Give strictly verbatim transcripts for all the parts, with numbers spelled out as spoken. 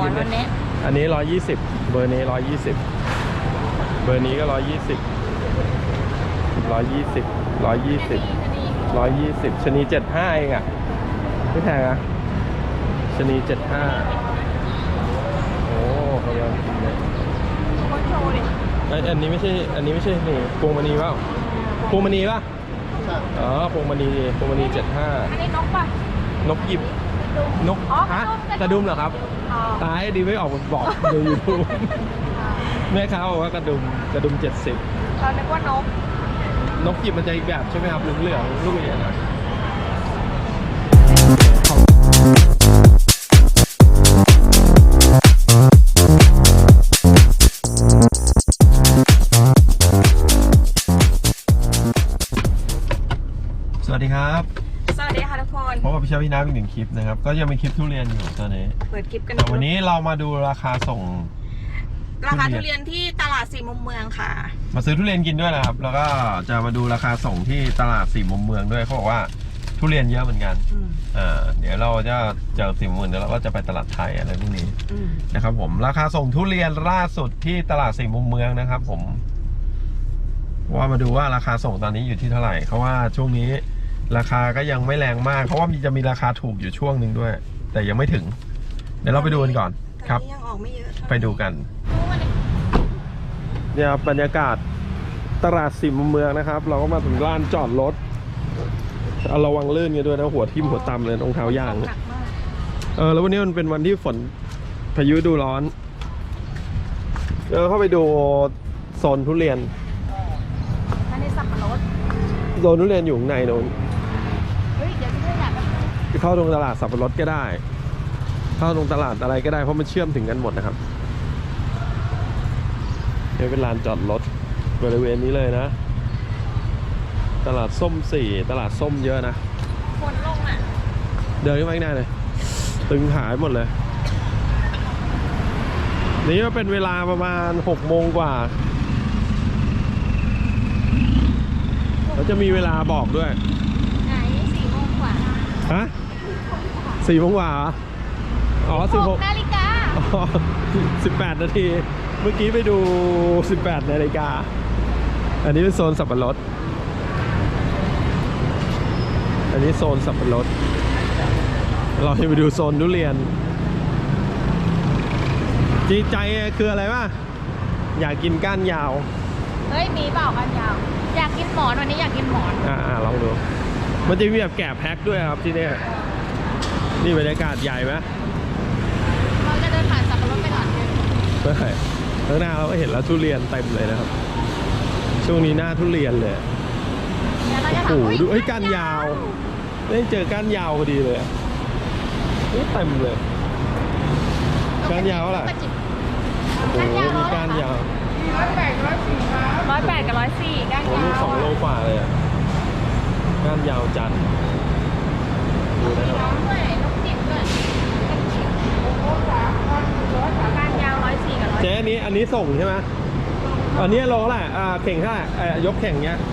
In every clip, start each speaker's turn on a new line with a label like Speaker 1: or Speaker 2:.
Speaker 1: อนวันนี้
Speaker 2: อันนี้ร้อยยี่สิบเบอร์นี้ร้อยยี่สิบเบอร์นี้ก็ร้อยยี่สิบร้อยยี่สิบร้อยยี่สิบร้อยยี่สิบชนีเจ็ดห้าเองอ่ะไม่แพงอ่ะชนีเจ็ดห้าโอ้กำลังกินเลยไออันนี้ไม่ใช่อันนี้ไม่ใช่นี่พวงมณีเปล่าพวงมณีป่ะอ๋อพวงมณีพวงมณีเจ็ดห้า
Speaker 1: อันนี้นกป่ะ
Speaker 2: นกหยิบนกฮะกระดุมเหรอครับตายดีไม่ออกบอกดูยูทูบแม่ค้าบอกว่ากระดุมกระดุมเจ็ดสิบ
Speaker 1: เราคิดว่านก
Speaker 2: นกหยิบมันจะอีกแบบใช่ไหมครับเหลืองๆลูกใหญ่หน่อยสวัสดีครับ
Speaker 1: สวัสดีค่ะทุกคน
Speaker 2: พบกับพี่เชฟพี่น้ำอีกหนึ่งคลิปนะครับก็ยังเป็นคลิปทุเรียนอยู่ตอนนี้
Speaker 1: เปิดคลิปกัน
Speaker 2: แต่วันนี้เรามาดูราคาส่ง
Speaker 1: ราคาทุเรียนที่ตลาดสี่มุมเมืองค่ะ
Speaker 2: มาซื้อทุเรียนกินด้วยนะครับแล้วก็จะมาดูราคาส่งที่ตลาดสี่มุมเมืองด้วยเขาบอกว่าทุเรียนเยอะเหมือนกันอ่าเดี๋ยวเราจะเจอสี่มุมเมืองเดี๋ยวเราก็จะไปตลาดไทยอะไรพวกนี้นะครับผมราคาส่งทุเรียนล่าสุดที่ตลาดสี่มุมเมืองนะครับผมว่ามาดูว่าราคาส่งตอนนี้อยู่ที่เท่าไหร่เพราะว่าช่วงนี้ราคาก็ยังไม่แรงมากเพราะว่ามีจะมีราคาถูกอยู่ช่วงหนึ่งด้วยแต่ยังไม่ถึงเดี๋ยวเราไปดูกันก่อนครับ
Speaker 1: ยังออกไม่เยอะ
Speaker 2: ไปดูกันเนี่ยบรรยากาศตลาดสี่มุมเมืองนะครับเราก็มาถึงลานจอดรถระวังลื่นกันด้วยนะหัวทิ่มหัวต่ำเลยรองเท้ายางเออแล้ววันนี้มันเป็นวันที่ฝนพายุดูร้อนเออเข้าไปดูโซนทุเรียน
Speaker 1: อันนี้สับปะรด
Speaker 2: โซนทุเรียนอยู่ข้างในโน้น
Speaker 1: เฮ้ยเดี๋ยวพี่อยาก
Speaker 2: เข้าตรงตลาดสับปะรดก็ได้เข้าตรงตลาดอะไรก็ได้เพราะมันเชื่อมถึงกันหมดนะครับนี่เป็นลานจอดรถบริเวณนี้เลยนะตลาดส้มสี่ตลาดส้มเยอะนะ
Speaker 1: คนลงอ่ะ
Speaker 2: เดินขึ้นมาข้างหน้าเลยตึงหายหมดเลยนี่ก็เป็นเวลาประมาณหกโมงกว่าแล้วจะมีเวลาบอกด้วย
Speaker 1: ไหนสี่โมงกว่า
Speaker 2: ฮะสี่โมงกว่าอ๋อสิบหก
Speaker 1: นาฬิกา
Speaker 2: อ๋อสิบแปดนาทีเมื่อกี้ไปดูสิบแปดนาฬิกาอันนี้เป็นโซนสับปะรดอันนี้โซนสับปะรดเราให้ไปดูโซนทุเรียนจีใจคืออะไรวะอยากกินก้านยาว
Speaker 1: เฮ้ยมีเปล่าก้านยาวอยากกินหมอนวันนี้อยากกินหมอน
Speaker 2: อ่าลองดูมันจะมีแบบแกะแพ็คด้วยครับที่นี่นี่บรรยากาศใหญ่ไหม
Speaker 1: เราจะเดินผ่านสับปะรดไปก่อน
Speaker 2: ไม่ใช่ข้างหน้าเราก็เห็นแล้วทุเรียนเต็มเลยนะครับช่วงนี้หน้าทุเรียนเลยโอ้โหดูไอ้ก้านยาวได้เจอก้านยาวพอดีเลยนี่เต็มเลยก้านยาวอะไรโอ้โหมีก้านยาว
Speaker 1: ร้อยแปดร้อยสี่ร้อยแปดกับร้อยสี่ก้านยาว
Speaker 2: สองโลฝ่าเลยก้านยาวจัดดูนะครับ
Speaker 1: ก้านยาวร้อยสี่กับร้อย
Speaker 2: เจ๊อันนี้อันนี้ส่งใช่ไหมอันนี้โลเท่าไหร่อ่าเข่งเท่าไหร่อ่ายกเข่งเนี้ย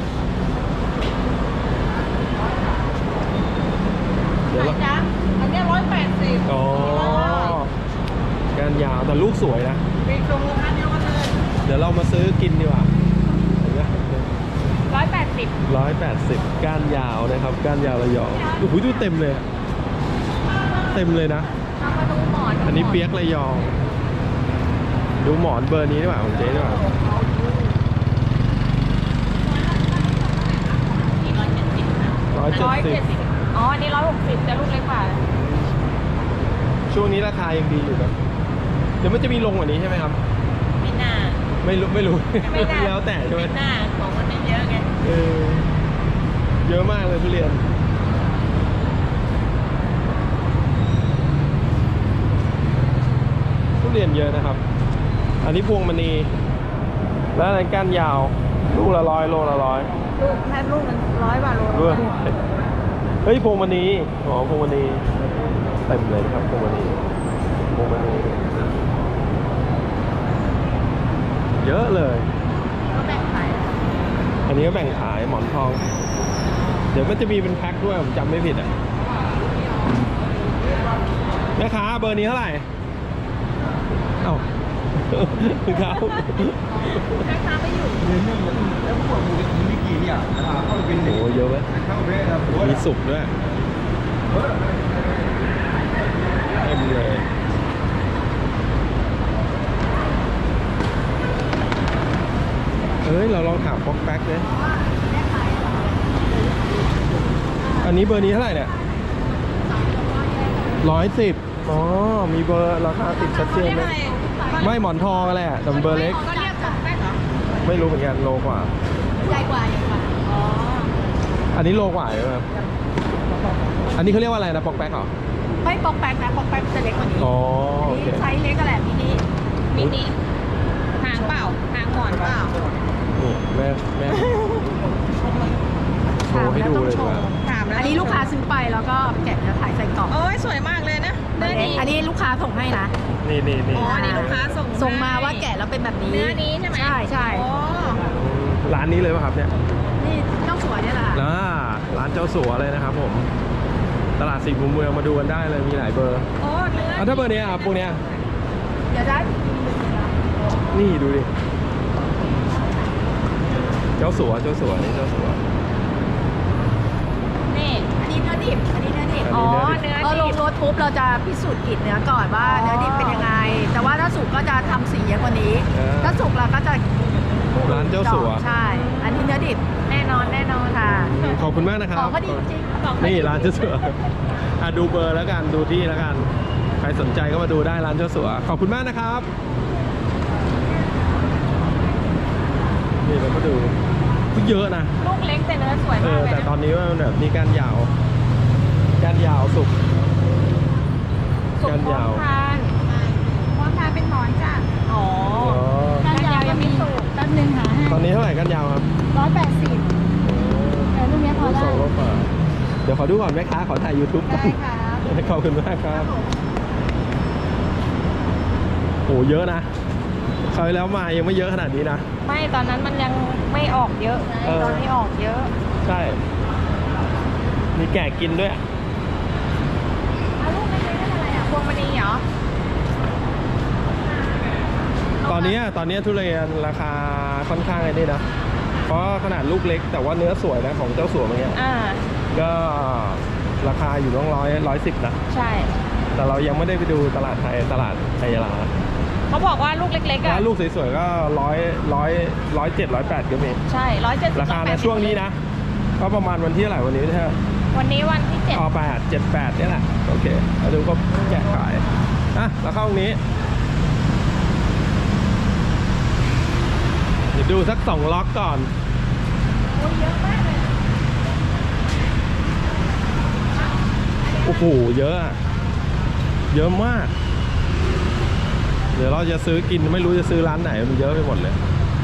Speaker 1: เดี๋ยวจ้าอันนี้ร้อยแปดสิบ
Speaker 2: อ๋อการยาวแต่ลูกสวยนะ
Speaker 1: มีตรงราคาเดียวกันเลย
Speaker 2: เดี๋ยวเรามาซื้อกินดีกว่า
Speaker 1: ร้อยแปดสิบ
Speaker 2: ร้อยแปดสิบก้านยาวนะครับก้านยาวระยองโอ้โหดูเต็มเลยเต็มเลยนะ
Speaker 1: มาดูหมอน
Speaker 2: อันนี้เปี๊ยกระยองดูหมอนเบอร์นี้ดีกว่าของเจ๊ดีกว่าร้อยเจ็ดสิบ
Speaker 1: อ๋ออันนี้ร้อยหกสิบแต่ลูกเล็กกว่า
Speaker 2: ช่วงนี้ราคายังดีอยู่ครับเดี๋ยวมันจะมีลงกว่านี้ใช่ไหมครับ
Speaker 1: ไม่น่า
Speaker 2: ไม่รู้ไม่รู้แล้วแต่ใช่ไหม
Speaker 1: ไม่น่าของมันไม่เยอะไง
Speaker 2: เออเยอะมากเลยทุเรียนทุเรียนเยอะนะครับอันนี้พวงมณีแล้วอันก้านยาวลูกละร้อยโลละร้อย
Speaker 1: ลูกแค่ลูกนึงร้อยบาทโล
Speaker 2: ด้วยเฮ้ยพวงมณีอ๋อพวงมณีเต็มเลยครับพวงมณีพวงมณีเยอะเลย
Speaker 1: ก็แบ่งขาย
Speaker 2: อันนี้ก็แบ่งขายหมอนทองเดี๋ยวก็จะมีเป็นแพ็คด้วยผมจำไม่ผิดอ่ะแม่ค้าเบอร์นี้เท่าไหร่เอ้าครับ
Speaker 1: แม่ค้าไม่อยู่
Speaker 3: แล้วพวกมึงมีกี่อย่างนะครับเข้าไปเป็น
Speaker 2: โอ้เยอะไหม
Speaker 3: เข้าไปแล้ว
Speaker 2: มีสุกด้วยเต็มเลยเอ้ยเราลองถามป๊อกแป๊กเลยอันนี้เบอร์นี้เท่าไหร่เนี่ยร้อยสิบอ๋อมีเบอร์ราคาติดชัดเจนเลยไม่หมอนทองอะไรอ่ะแต่เบอร์เล็ก
Speaker 1: ก็เรียกจากแป้งเหรอ
Speaker 2: ไม่รู้เหมือนกันโลกว่า
Speaker 1: ใหญ่กว่าใหญ่กว่าอ๋อ
Speaker 2: อันนี้โลกว่าใช่ไหมครับอันนี้เขาเรียกว่าอะไรนะป๊อกแป๊กเหรอ
Speaker 1: ไม่ปอกแป๊กนะปอกแป๊กจะเล็กกว่านี้
Speaker 2: อ๋อ
Speaker 1: อัน
Speaker 2: โอ
Speaker 1: นี้
Speaker 2: เค
Speaker 1: ไซส์เล็กก็แหละมินิมินิหางเปล่าหางหมอนเปล่า
Speaker 2: นี่แม่แม่โชว์ให้ดูเลยดีกว่า
Speaker 1: ถามแล้ว
Speaker 4: อันนี้ลูกค้าซื้อไปแล้วก็แกะแล้วขายใส่กล่อง
Speaker 1: โอ้ยสวยมากเลยนะเนื้อนี้
Speaker 4: อันนี้ลูกค้าส่งให้นะ
Speaker 2: นี่นี่นี่
Speaker 1: อ๋ออันนี้ลูกค้าส่ง
Speaker 4: ส่งมาว่าแกะแล้วเป็นแบบนี้
Speaker 1: เนื้อนี้ใช่ไหม
Speaker 4: ใช่ใช่
Speaker 1: โอ้
Speaker 2: ร้านนี้เลยป่ะครับเนี่ย
Speaker 4: นี่เจ้าสวยเนี่ยแหละ
Speaker 2: อ่าร้านเจ้าสัวเลยนะครับผม ตลาดสี่มุมเมืองมาดูกันได้เลยมีหลายเบอร์
Speaker 1: โอ้เนื้อ
Speaker 2: อ่ะถ้าเบอร์เนี้ยครับพวกเนี้ย
Speaker 4: เดี๋ยวได้
Speaker 2: นี่ดูดิ เจ้าสัวเจ้าสัวนี่เจ้าสัว
Speaker 1: นี่
Speaker 4: อันนี้เนื้อดิบอันนี้เนื้อดิบ
Speaker 2: อัน
Speaker 1: อ๋อ
Speaker 2: นี้เนื้อดิบ
Speaker 1: เนื้อ
Speaker 4: พอล
Speaker 1: ดิ
Speaker 4: ง
Speaker 1: บ
Speaker 4: รถปุ๊บเราจะพิสูจน์กลิ่นเนื้อก่อนว่าเนื้อดิบเป็นยังไง แต่ว่าถ้าสุกก็จะทำสีเยอะกว่านี้
Speaker 2: อ่า
Speaker 4: ถ้าสุกเราก็จะ
Speaker 2: ร้านเจ้าสัว
Speaker 4: ใช่ อันนี้เนื้อดิบ
Speaker 1: แน่นอนแน่นอน
Speaker 4: ค่ะ
Speaker 2: ขอบคุณมากนะครับ
Speaker 4: ของก็ดีจริง
Speaker 1: บอกให้
Speaker 2: นี่ร้านเจ้าสัวอ่ะดูเบอร์แล้วกันดูที่แล้วกัน ใครสนใจก็มาดูได้ร้านเจ้าสัว ขอบคุณมากนะครับ นี่เรามาดูเยอะนะ
Speaker 1: ลูกเล็กแต่เนื้อสวย
Speaker 2: เอ
Speaker 1: มาก
Speaker 2: อ
Speaker 1: เลย
Speaker 2: แต่ตอ
Speaker 1: นะ
Speaker 2: นนี้ว่ามันแบบมีก้านยาวก้านยาวสุก
Speaker 1: สุก
Speaker 2: ก้าน
Speaker 1: พร้อย
Speaker 2: าว
Speaker 1: มทานพร้อมทานเป็นหมอนจ้ะอ๋อ
Speaker 2: อ๋อ
Speaker 1: ก้านยาวยังไม่สุก
Speaker 4: แป๊บนึงหาให้
Speaker 2: ตอนนี้เท่าไหร่ก้านยาวครับ
Speaker 4: ร้อยแปดสิบแต่ลูกเนี้ยพอ
Speaker 2: ส
Speaker 4: ได้
Speaker 2: องร้อยกว่าเดี๋ยวขอดูก่อนแม่ค้าขอถ่าย YouTube ก่อน
Speaker 4: ได้ครับ
Speaker 2: ขอบคุณมากครับโอ้เยอะนะคราวที่แล้วมายังไม่เยอะขนาดนี้นะ
Speaker 1: ไม่ตอนนั้นมันยังไม่ออกเยอะไง
Speaker 2: เออ
Speaker 1: ตอนนี้ออกเยอะ
Speaker 2: ใช่ มีแก่กินด้วย
Speaker 1: เอาลูกเล็กๆนั่นอะไรอ่ะพวงมณีเหรอ
Speaker 2: ตอนนี้ตอนนี้ทุเรียนราคาค่อนข้างไอ้นี่นะ เพราะขนาดลูกเล็กแต่ว่าเนื้อสวยนะของเจ้าสัวเมื่อกี้
Speaker 1: อ่า
Speaker 2: ก็ราคาอยู่ต้องร้อยร้อยสิบนะ
Speaker 1: ใช่
Speaker 2: แต่เรายังไม่ได้ไปดูตลาดไทยตลาดไทยยาลา
Speaker 1: เขาบอกว่าลูกเล็กๆอ่ะ
Speaker 2: ร้านลูกสวยๆก็ร้อยร้อยร้อยเจ็ดร้อยแปดก็มี
Speaker 1: ใช่ร้อยเจ็ดสิบ
Speaker 2: ราคาในช่วงนี้นะ ก็ประมาณวันที่เท่าไหร่วันนี้ใช่ไหม
Speaker 1: วันนี้วันที่เจ็ด
Speaker 2: อ๋อแปดเจ็ดแปดนี่แหละ โอเคเราดูก็แกะขายอ่ะแล้วเข้าตรงนี้ เดี๋ยวดูสักสองล็อกก่อน
Speaker 1: โอ้ยเยอะมากเลย
Speaker 2: โอ้โห เยอะอะเยอะมาก เดี๋ยวเราจะซื้อกินไม่รู้จะซื้อร้านไหนมันเยอะไปหมดเลย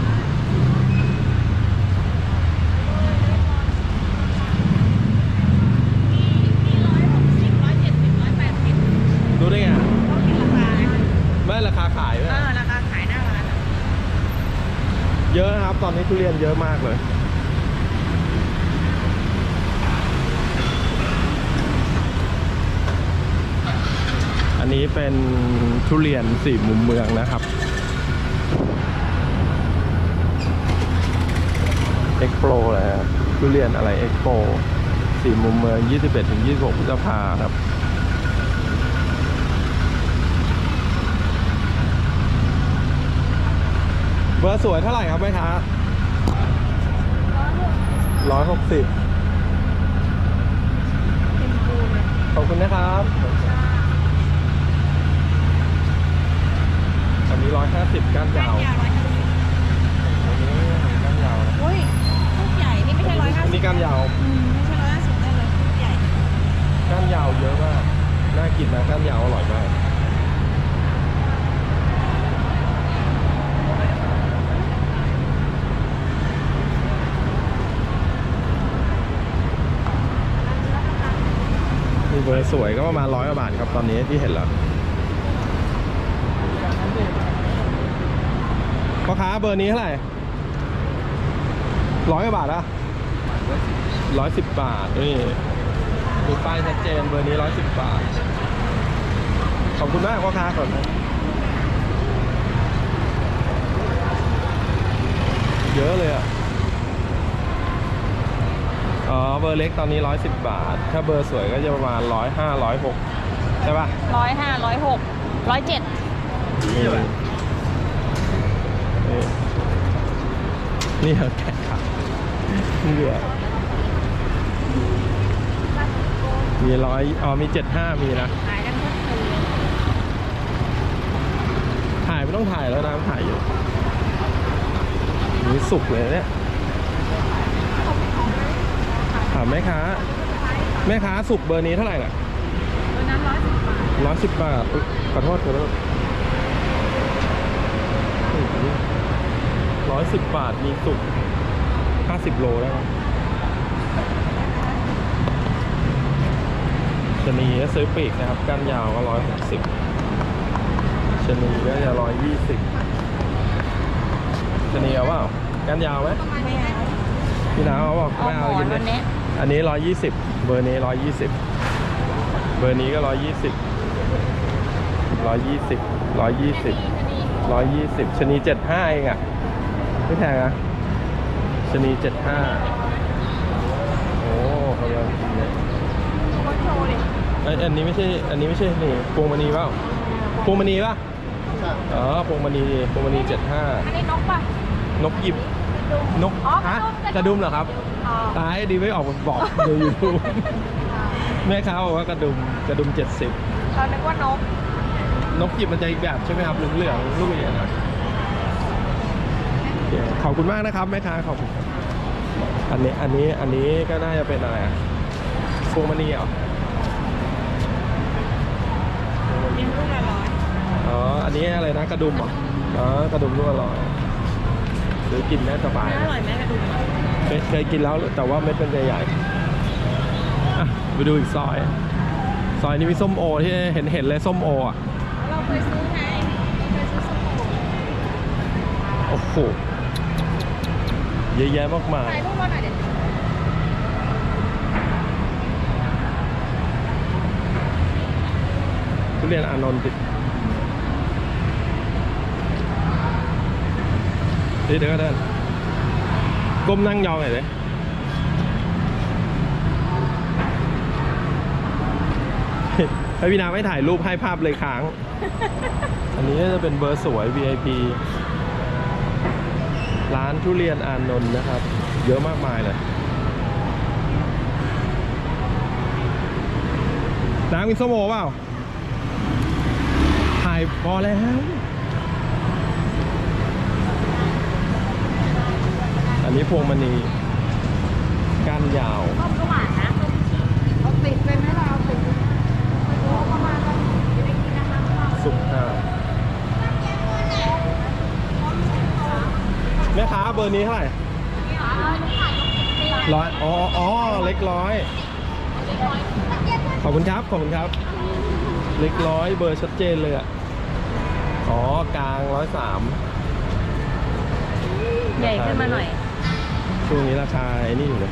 Speaker 1: มีร้อยหกสิบร้อยเจ็ดสิบร้อยแปดสิบ
Speaker 2: ดูได้ไง
Speaker 1: ต้องคิดราคา
Speaker 2: ไม่ราคาขายด้วย
Speaker 1: เออราคาขายหน้าร้านอะ
Speaker 2: เยอะนะครับ ตอนนี้ทุเรียนเยอะมากเลย อันนี้เป็นทุเรียนสี่มุมเมืองนะครับ เอ็กโปรเลยครับทุเรียนอะไรเอ็กโปรสี่มุมเมือง ยี่สิบเอ็ดถึงยี่สิบหก พฤษภาครับ เบอร์สวยเท่าไหร่ครับแม่ค้าร้อยหกสิบขอบคุณนะครับ อันนี้ร้อยห้าสิบก้านยาว
Speaker 1: ยาวร้อยห้าสิบ
Speaker 2: อันนี้ก้านยาวนะ
Speaker 1: อุ้ยลูกใหญ่นี่ไม่ใช่ร้อยห้า
Speaker 2: อัน
Speaker 1: สิบ
Speaker 2: นี้ก้านยาว
Speaker 1: อืมไม่ใช่ร้อยห้าสิบได้เลยลูกใหญ่
Speaker 2: ก้านยาวเยอะมาก น่ากินนะก้านยาวอร่อยมาก มีเบอร์สวยก็ประมาณร้อยกว่าบาทครับตอนนี้ที่เห็นแล้วพ่อค้าเบอร์นี้เท่าไหร่ร้อยกว่าบาทอะร้อยสิบบาทนี่ดูป้ายชัดเจนเบอร์นี้ร้อยสิบบาท ขอบคุณมากพ่อค้าก่อนนะเยอะเลยอ่ะอ๋อเบอร์เล็กตอนนี้ร้อยสิบบาทถ้าเบอร์สวยก็จะประมาณร้อยห้าร้อยหกใช่ป่ะ
Speaker 1: ร้อยห้าร้อยหกร้อยเจ็ด
Speaker 2: นี่นี่นี่เหรอแกะครับนี่เหรอมีร้อยอ๋อมีเจ็ดห้ามีนะ
Speaker 1: ขายกันทุกคืน
Speaker 2: ถ่ายไม่ต้องถ่ายแล้วนะถ่ายอยู่นี่สุกเลยเนี่ยถามแม่ค้าแม่ค้าสุกเบอร์นี้เท่าไหร่น่ะ
Speaker 1: ตัวนั้นร้อยสิบบาท
Speaker 2: ร้อยสิบบาทอุ๊ยขอโทษขอโทษร้อยสิบบาทมีสุกห้าสิบโลได้ไหมชะนีก็ซื้อปีกนะครับก้านยาวก็ร้อยหกสิบชะนีก็จะร้อยยี่สิบชะนีเอาเปล่าก้านยาวไหม
Speaker 1: ไม่เอา
Speaker 2: พี่น้าเขาบอก
Speaker 1: เอา
Speaker 2: ไม่
Speaker 1: หม
Speaker 2: เอา
Speaker 1: อ
Speaker 2: กิ
Speaker 1: น
Speaker 2: น
Speaker 1: วัน
Speaker 2: เนี่
Speaker 1: นี้
Speaker 2: ยอันนี้ร้อยยี่สิบเบอร์นี้ร้อยยี่สิบเบอร์นี้ก็ร้อยยี่สิบร้อยยี่สิบร้อยยี่สิบร้อยยี่สิบชะนีเจ็ดห้าเองอ่ะไม่แพงอ่ะชะนีเจ็ดห้าโอ้กำลังกินเลย
Speaker 1: เขาโชว์ดิ
Speaker 2: ไอยอันนี้ไม่ใช่อันนี้ไม่ใช่นี่พวงมณีเปล่าพวงมณีป่ะอ๋อพวงมณีพวงมณีเจ็ดห้า
Speaker 1: อันนี้นกป่ะ
Speaker 2: นกหยิบนก
Speaker 1: อ๋อ
Speaker 2: ฮะก
Speaker 1: ก
Speaker 2: ระ
Speaker 1: ระดุ
Speaker 2: ดุม
Speaker 1: ม
Speaker 2: เหรอครับ
Speaker 1: อ๋อ
Speaker 2: ตายดีไม่ออกมาบอกดูยูทูบแม่ค้าบอกว่ากระดุมกระดุมเจ็ดสิบ
Speaker 1: เรานึกว่านก
Speaker 2: นกหยิบมันจะอีกแบบใช่ไหมครับเหลืองๆลูกใหญ่ๆนะโอเคขอบคุณมากนะครับแม่ค้าขอบคุณครับอันนี้อันนี้อันนี้ก็น่าจะเป็นอะไรอ่ะพวงมณีเหรอ
Speaker 1: เป็นลูกละร้อย
Speaker 2: อ๋ออันนี้อะไรนะกระดุมเหรออ๋อกระดุมลูกอร่อยหรือกินได้สบาย
Speaker 1: อร่อยไหมกระดุม
Speaker 2: เคยเคยกินแล้วแต่ว่าเม็ดเป็นใหญ่ๆอ่ะไปดูอีกซอย ซอยนี้มีส้มโอที่เห็นเห็นเลยส้มโออ่ะ
Speaker 1: เราเคยซื้อไงเคยซื้อส้มโอ
Speaker 2: โอ้โหเยอะแยะมากมาย
Speaker 1: ถ่ายรูปมาหน่อยเดี๋ยว
Speaker 2: ทุเรียนอานนท์ติดเดี๋ยวเดี๋ยวก็เดินก้มนั่งยองหน่อยเลยให้พี่นาไม่ถ่ายรูปให้ภาพเลยค้าง อันนี้จะเป็นเบอร์สวย วี ไอ พี ร้านทุเรียนอานนท์นะครับ เยอะมากมายเลยน้ำมีส้มโอเปล่าถ่ายพอแล้ว อันนี้พวงมณีก้านยาว
Speaker 1: ส้มก็หวานนะส้มเอาติดไปไหมเราเอาติดประมาณจะได้กินนะคะ
Speaker 2: สุกห้าแม่ค้าเบอร์นี้เท่าไหร่ร้อยอ๋ออ๋อเล็กร้อยขอบคุณครับขอบคุณครับ เล็กร้อยเบอร์ชัดเจนเลยอ่ะอ๋อกลางร้อยสาม
Speaker 1: ใหญ่ขึ้นมาหน่อย
Speaker 2: ช่วงนี้ราคาไอ้นี่อยู่เลย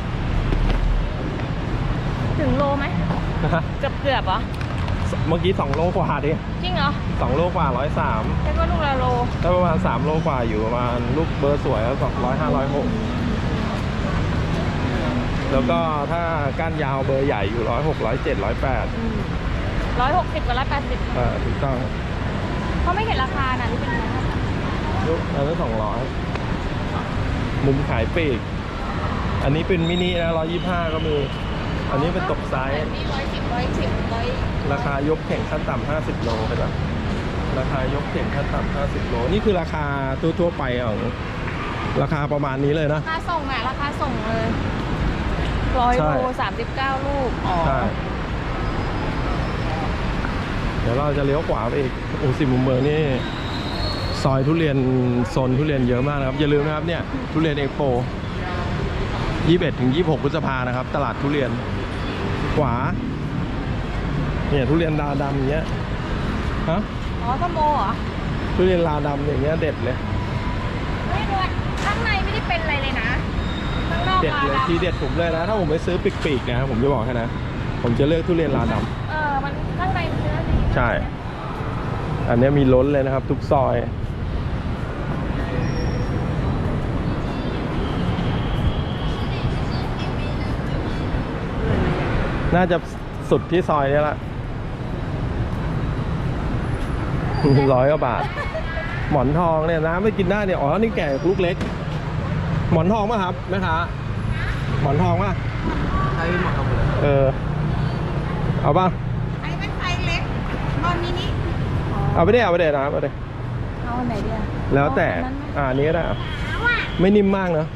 Speaker 1: ถึงโลไหมเกือบเกือบเหรอ
Speaker 2: เมื่อกี้สองโลกว่าดิ
Speaker 1: จริงเหรอ
Speaker 2: สองโลกว่าร้อยสาม
Speaker 1: แค่ก็ลูกละโล
Speaker 2: ถ้าประมาณสามโลกว่าอยู่ประมาณลูกเบอร์สวยแล้วสองร้อยห้าร้อยหกแล้วก็ถ้าก้านยาวเบอร์ใหญ่อยู่ร้อยหกร้อยเจ็ดร้อยแปด
Speaker 1: ร้อยหกสิบกับร้อยแปดสิบ
Speaker 2: อ่าถูกต้อง
Speaker 1: เขาไม่เห็นราคานะที่เป็นราคา
Speaker 2: ลูกอันนั้นสองร้อยมุมขายปีก อันนี้เป็นมินินะร้อยยี่ห้าก็มี อันนี้เป็นตกไซส์
Speaker 1: นี่ร้อยสิบร้อยสิบร้อย
Speaker 2: ราคายกแข่งขั้นต่ำห้าสิบโลเห็นปะราคายกแข่งขั้นต่ำห้าสิบโลนี่คือราคาทั่วๆไปของราคาประมาณนี้เลยนะ
Speaker 1: ราคาส่งอ่ะราคาส่งเลยร้อย
Speaker 2: ใช่
Speaker 1: โลสามสิบเก้าลูกอ๋อ
Speaker 2: ใช่ เดี๋ยวเราจะเลี้ยวขวาไปอีกโอ้สิมุมเมืองนี่ซอยทุเรียนโซนทุเรียนเยอะมากนะครับ อย่าลืมนะครับเนี่ยทุเรียนเอ็กโปยี่สิบเอ็ดถึงยี่สิบหกพฤษภานะครับ ตลาดทุเรียนขวาเนี่ยทุเรียนลาดำอย่างเงี้ยฮะ
Speaker 1: อ๋อส้มโอเหรอ
Speaker 2: ทุเรียนลาดำอย่างเงี้ยเด็ดเลย
Speaker 1: ไม่รู้อะข้างในไม่ได้เป็นอะไรเลยนะข้างนอก
Speaker 2: เด็ด
Speaker 1: มา
Speaker 2: เลย
Speaker 1: ดำ
Speaker 2: ทีเด็ดผมเลยนะ ถ้าผมไปซื้อปีกๆนะผมจะบอกแค่นะผมจะเลือกทุเรียนลาดำ
Speaker 1: เออมันข้างในเนื้อดี
Speaker 2: ใช่ อันนี้มีล้นเลยนะครับ ทุกซอยน่าจะสุดที่ซอยนี้ละร้อยกว่าบาท หมอนทองเนี่ยน้ำไม่กินได้เนี่ยอ๋อนี่แก่ลูกเล็ก หมอนทองป่ะครับแม่ค้าหมอนทองป่ะ
Speaker 3: ใช้หมดครับเลย
Speaker 2: เออเอาป่ะ
Speaker 1: ไอ้เป็นไซส์เล็กตอนมินิ
Speaker 2: เอาไปได้เอาไปได้นะครับเอาไปได้
Speaker 4: เอาอันไหนดีอะ
Speaker 2: แล้วแต่อ่าอันนี้ก็ได้อ่ะไม่นิ่มมากเนอะ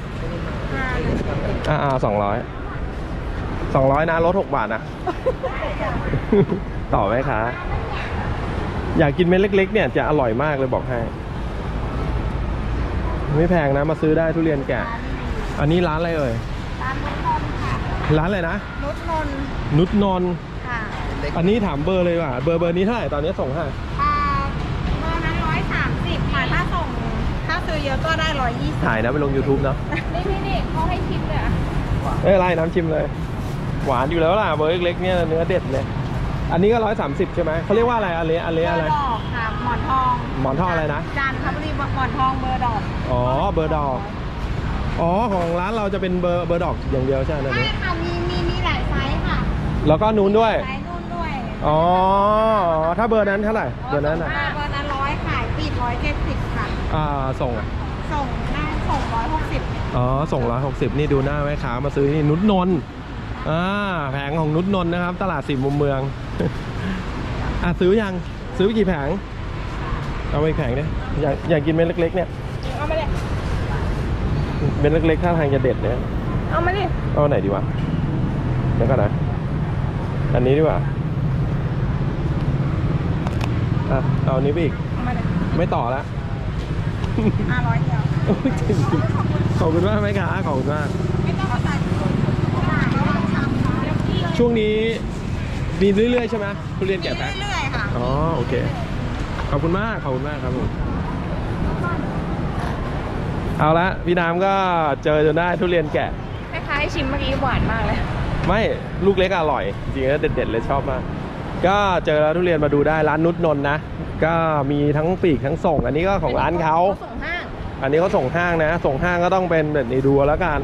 Speaker 2: อ่าอ่าสองร้อยสองร้อยนะลดหกบาทนะ ต่อไหมคะอยากกินเม็ดเล็กๆเนี่ยจะอร่อยมากเลยบอกให้ไม่แพงนะมาซื้อได้ทุเรียนแก่อันนี้ร้านอะไรเอ่ย
Speaker 1: ร้านนุชนนท์ค่ะ
Speaker 2: ร้านอะไรนะ
Speaker 1: นุชนนท์
Speaker 2: นุชนนท์
Speaker 1: ค่ะ
Speaker 2: อันนี้ถามเบอร์เลยว่ะเบอร์เบอร์นี้เท่าไหร่ตอนนี้ส่งให้
Speaker 1: อ่าเบอร์นั้นร้อยสามสิบค่ะถ้าส่งถ้าซื้อเยอะก็ได้ร้อยยี่สิบ
Speaker 2: ถ่ายนะไปลง YouTube เนาะ
Speaker 1: นี่นี่นี่เขาให้ชิมเลยอ่ะ
Speaker 2: เอ้ยไรน้ำชิมเลย หวานอยู่แล้วล่ะเบอร์เล็กๆเนี่ยเนื้อเด็ดเลยอันนี้ก็ร้อยสามสิบใช่ไหมเขาเรียกว่าอะไรอันเละอัน
Speaker 1: เบ
Speaker 2: เละ
Speaker 1: อ
Speaker 2: อะไร
Speaker 1: ร์ดอกค่ะหมอนทอง
Speaker 2: หมอนทองอะไรนะ
Speaker 1: จันทบุรีหมอนทองเบอร์ดอก
Speaker 2: อ๋อเบอร์ดอกอ๋อของร้านเราจะเป็นเบอร์เบอร์ดอกอย่างเดียวใช่ไหมอัน
Speaker 1: ใช่
Speaker 2: นี้
Speaker 1: ค่ะมีมีมีหลายไซส์ค่ะ
Speaker 2: แล้วก็นู้นด้วย
Speaker 1: ไซส์นู่นด้วย
Speaker 2: อ๋อถ้าเบอร์นั้นเท่าไหร่เบอร์นั้นอ่ะ
Speaker 1: อ่าเบอร์นั้นร้อยขายปีดร้อยเจ็ดสิบค่ะ
Speaker 2: อ่าส่งอ่ะ
Speaker 1: ส่งหน้าส่งร้อยหกสิบ
Speaker 2: อ๋อส่งร้อยหกสิบนี่ดูหน้าแม่ค้ามาซื้อที่นุชนนท์อ่าแผงของนุชนนท์นะครับ ตลาดสี่มุมเมือง อ่ะซื้อยังซื้อไปกี่แผงเอาไปอีกแผงเนี่ยอยากอยากกินเม็ดเล็กๆเนี่ย
Speaker 1: เอามาเลย
Speaker 2: เม็ดเล็กๆท่าทางจะเด็ดเนี่ย
Speaker 1: เอามาดิ
Speaker 2: เอาไหนดีวะเดี๋ยวก่อนนะอันนี้ดีกว่าอ่ะเอาอันนี้ไปอีก
Speaker 1: เอามาเลย
Speaker 2: ไม่ต่อแล้ว
Speaker 1: ห้าร้อยเดียว
Speaker 2: โอ้ยจริงๆขอบคุณมากไหมคะขอบคุณมาก
Speaker 1: ไม่ต้องเอาใส่ถุงไม่ต้องทำ
Speaker 2: ช่วงนี้มีเรื่อยๆใช่ไหมทุเรียนแกะแพ็ค
Speaker 1: เรื่อยๆค่ะ
Speaker 2: อ๋อโอเคขอบคุณมากขอบคุณมากครับผมเอาละพี่น้ำก็เจอจนได้ทุเรียนแกะ
Speaker 4: คล้ายๆชิมเมื่อกี้หวานมากเลย
Speaker 2: ไม่ลูกเล็กอร่อยจริงๆแล้วเด็ดๆเลยชอบมากก็เจอแล้วทุเรียนมาดูได้ร้านนุชนนท์นะก็มีทั้งปีกทั้งส่ง อันนี้ก็ของร้านเขา
Speaker 4: ส่งห้าง
Speaker 2: อันนี้เขาส่งห้างนะส่งห้างก็ต้องเป็นแบบนี้ดูแล้วกัน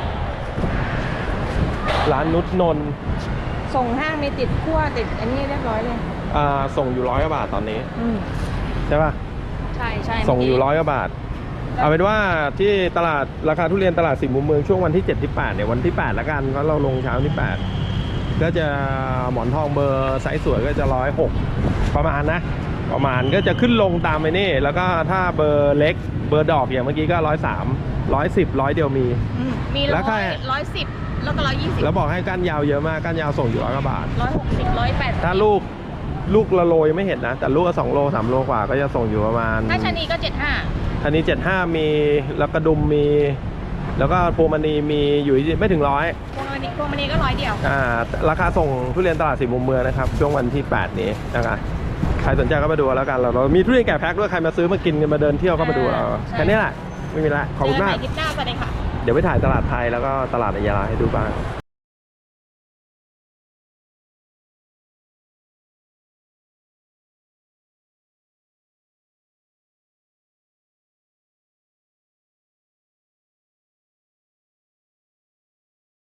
Speaker 2: ร้านนุชนนท์
Speaker 4: ส่งห้างมีติดขั้วติดอันนี้เรียบร้อยเลย
Speaker 2: อ่าส่งอยู่ร้อยกว่าบาทตอนนี้
Speaker 4: อืม
Speaker 2: ใช่ป่ะ
Speaker 4: ใช่ใช่
Speaker 2: ส่งอยู่ร้อยกว่าบาทเอาเป็นว่าที่ตลาดราคาทุเรียนตลาดสี่มุมเมืองช่วงวันที่เจ็ดที่แปดเนี่ยวันที่แปดละกันเพราะเราลงเช้าที่แปดก็จะหมอนทองเบอร์ไซส์สวยก็จะร้อยหกประมาณนะประมาณก็จะขึ้นลงตามไปนี่แล้วก็ถ้าเบอร์เล็กเบอร์ดอกอย่างเมื่อกี้ก็ร้อยสามร้อยสิบร้อยเดียวมี
Speaker 4: อืมมี
Speaker 2: แล้
Speaker 4: ร้
Speaker 2: วใคร
Speaker 4: อยร้อยสิบแล้วก็ร้อยยี่สิบ
Speaker 2: แล้วบอกให้ก้านยาวเยอะมากก้านยาวส่งอยู่ร้อยกว่าบาท
Speaker 4: ร้อยหกสิบร้อยแปดสิบ
Speaker 2: ถ้าลูกลูกละโลยังไม่เห็นนะแต่ลูกละสองโลสามโลกว่าก็จะส่งอยู่ประมาณ
Speaker 4: ถ้าชะนีก็เจ็ดห้า
Speaker 2: อันนี้เจ็ดห้ามีแล้วกระดุมมี แล้วก็พวงมณีมีอยู่ไม่ถึงร้อย
Speaker 4: พวงมณีพวงมณีก็ร้อยเดียว
Speaker 2: อ่าราคาส่งทุเรียนตลาดสี่มุมเมืองนะครับช่วงวันที่แปดนี้นะครับใครสนใจก็มาดูแล้วกันเราเรามีทุเรียนแกะแพ็คด้วยใครมาซื้อมากินกันมาเดินเที่ยวก็มาดูเรา
Speaker 4: ใช่
Speaker 2: แค่นี้แหละไม่มีละขอบคุณมาก
Speaker 4: เจอกันใหม่คลิปหน้าสวัสดีค่ะ
Speaker 2: เดี๋ยวไปถ่ายตลาดไทยแล้วก็ตลาดอัยยาลาให้ดูบ้าง